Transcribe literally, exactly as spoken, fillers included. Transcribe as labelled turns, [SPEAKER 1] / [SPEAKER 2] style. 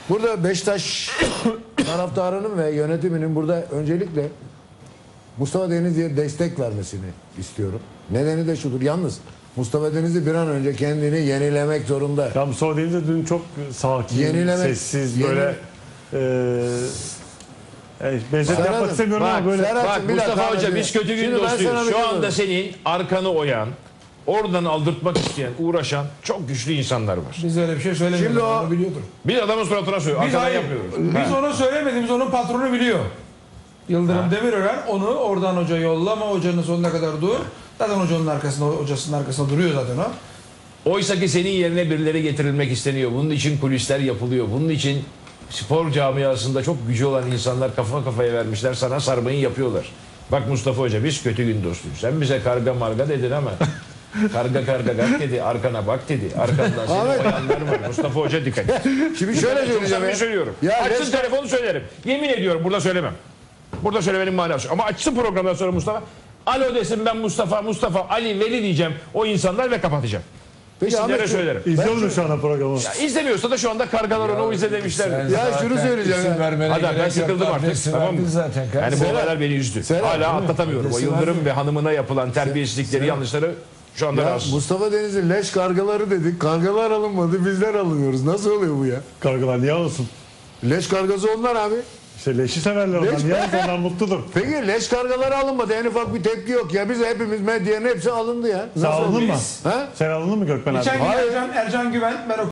[SPEAKER 1] Burada Beşiktaş taraftarının ve yönetiminin burada öncelikle Mustafa Denizli'ye destek vermesini istiyorum. Nedeni de şudur. Yalnız Mustafa Denizli bir an önce kendini yenilemek zorunda.
[SPEAKER 2] Ya Mustafa Denizli dün çok sakin,
[SPEAKER 1] Yenilemek-
[SPEAKER 2] sessiz,
[SPEAKER 1] yeni-
[SPEAKER 2] böyle e, e, benzet
[SPEAKER 1] Serhat'ım,
[SPEAKER 2] yapmak istemiyorum
[SPEAKER 3] bak,
[SPEAKER 2] ama böyle
[SPEAKER 1] Serhat-
[SPEAKER 3] Bak
[SPEAKER 1] bir
[SPEAKER 3] Mustafa
[SPEAKER 1] dakika
[SPEAKER 3] Hoca
[SPEAKER 1] abi.
[SPEAKER 3] biz kötü gün
[SPEAKER 1] Şimdi ben sana
[SPEAKER 3] dostuyuz.
[SPEAKER 1] bir
[SPEAKER 3] Şu
[SPEAKER 1] şey
[SPEAKER 3] anda
[SPEAKER 1] söyleyeyim.
[SPEAKER 3] senin arkanı oyan, oradan aldırtmak isteyen, uğraşan çok güçlü insanlar var.
[SPEAKER 4] Biz öyle bir şey söylemedik.
[SPEAKER 1] Şimdi o-
[SPEAKER 4] Onu biliyordur.
[SPEAKER 3] Biz adamın suratına söylüyoruz.
[SPEAKER 4] Biz,
[SPEAKER 3] Arkadan
[SPEAKER 4] hayır,
[SPEAKER 3] yapmıyoruz.
[SPEAKER 4] biz
[SPEAKER 3] Ha.
[SPEAKER 4] onu söylemediğimiz onun patronu biliyor. Yıldırım Demirören onu oradan hoca yollama, hocanın sonuna kadar dur. Zaten hocanın arkasında, hocasının arkasında duruyor zaten o.
[SPEAKER 3] Oysa ki senin yerine birileri getirilmek isteniyor. Bunun için kulisler yapılıyor. Bunun için spor camiasında çok gücü olan insanlar kafa kafaya vermişler. Sana sarmayı yapıyorlar. Bak Mustafa Hoca biz kötü gün dostuyuz. Sen bize karga marga dedin ama karga karga gak dedi. Arkana bak dedi. Arkandan seni
[SPEAKER 1] Ahmet.
[SPEAKER 3] oyanlar var. Mustafa Hoca dikkat et.
[SPEAKER 1] Şimdi şöyle
[SPEAKER 3] Çok
[SPEAKER 1] söyleyeceğim.
[SPEAKER 3] samimi
[SPEAKER 1] ya.
[SPEAKER 3] söylüyorum.
[SPEAKER 1] Ya
[SPEAKER 3] Açsın
[SPEAKER 1] Leş-
[SPEAKER 3] telefonu söylerim. Yemin ediyorum burada söylemem. Burada söylemenin manası yok. Ama açsın programdan sonra Mustafa. Alo desin ben Mustafa, Mustafa, Ali, Veli diyeceğim o insanlar ve kapatacağım.
[SPEAKER 1] Peki
[SPEAKER 3] İsimlere
[SPEAKER 1] Ahmet, şu-
[SPEAKER 3] söylerim.
[SPEAKER 2] izliyor musun şu anda programı?
[SPEAKER 3] Ya İzlemiyorsa da şu anda kargalar onu o izle demişler.
[SPEAKER 1] Ya şunu söyleyeceğim ya.
[SPEAKER 3] Hadi ben sıkıldım artık. Tamam mı?
[SPEAKER 5] Zaten.
[SPEAKER 3] Yani bu
[SPEAKER 1] Serhat-
[SPEAKER 3] olaylar beni üzdü.
[SPEAKER 1] Serhat,
[SPEAKER 3] Hala
[SPEAKER 1] değil mi?
[SPEAKER 3] atlatamıyorum. O
[SPEAKER 5] Adresi
[SPEAKER 3] Yıldırım
[SPEAKER 5] verdim.
[SPEAKER 3] ve hanımına yapılan terbiyesizlikleri, yanlışları şu anda
[SPEAKER 1] Ya
[SPEAKER 3] rahatsız.
[SPEAKER 1] Mustafa Denizli leş kargaları dedik. Kargalar alınmadı. Bizler alınıyoruz. Nasıl oluyor bu ya?
[SPEAKER 2] Kargalar niye alsın?
[SPEAKER 1] Leş kargası onlar abi.
[SPEAKER 2] İşte leşi severler onlar.
[SPEAKER 1] Leş-
[SPEAKER 2] Niye alsın? Onlar mutludur.
[SPEAKER 1] Peki leş kargaları alınmadı. En ufak bir tepki yok ya. Biz hepimiz medyanın hepsi alındı ya.
[SPEAKER 2] Sen alındın mı?
[SPEAKER 1] Ha?
[SPEAKER 2] Sen alındın mı Gökmen abi?
[SPEAKER 4] Geçen gün
[SPEAKER 1] Hayır.
[SPEAKER 4] Ercan, Ercan Güven, ben o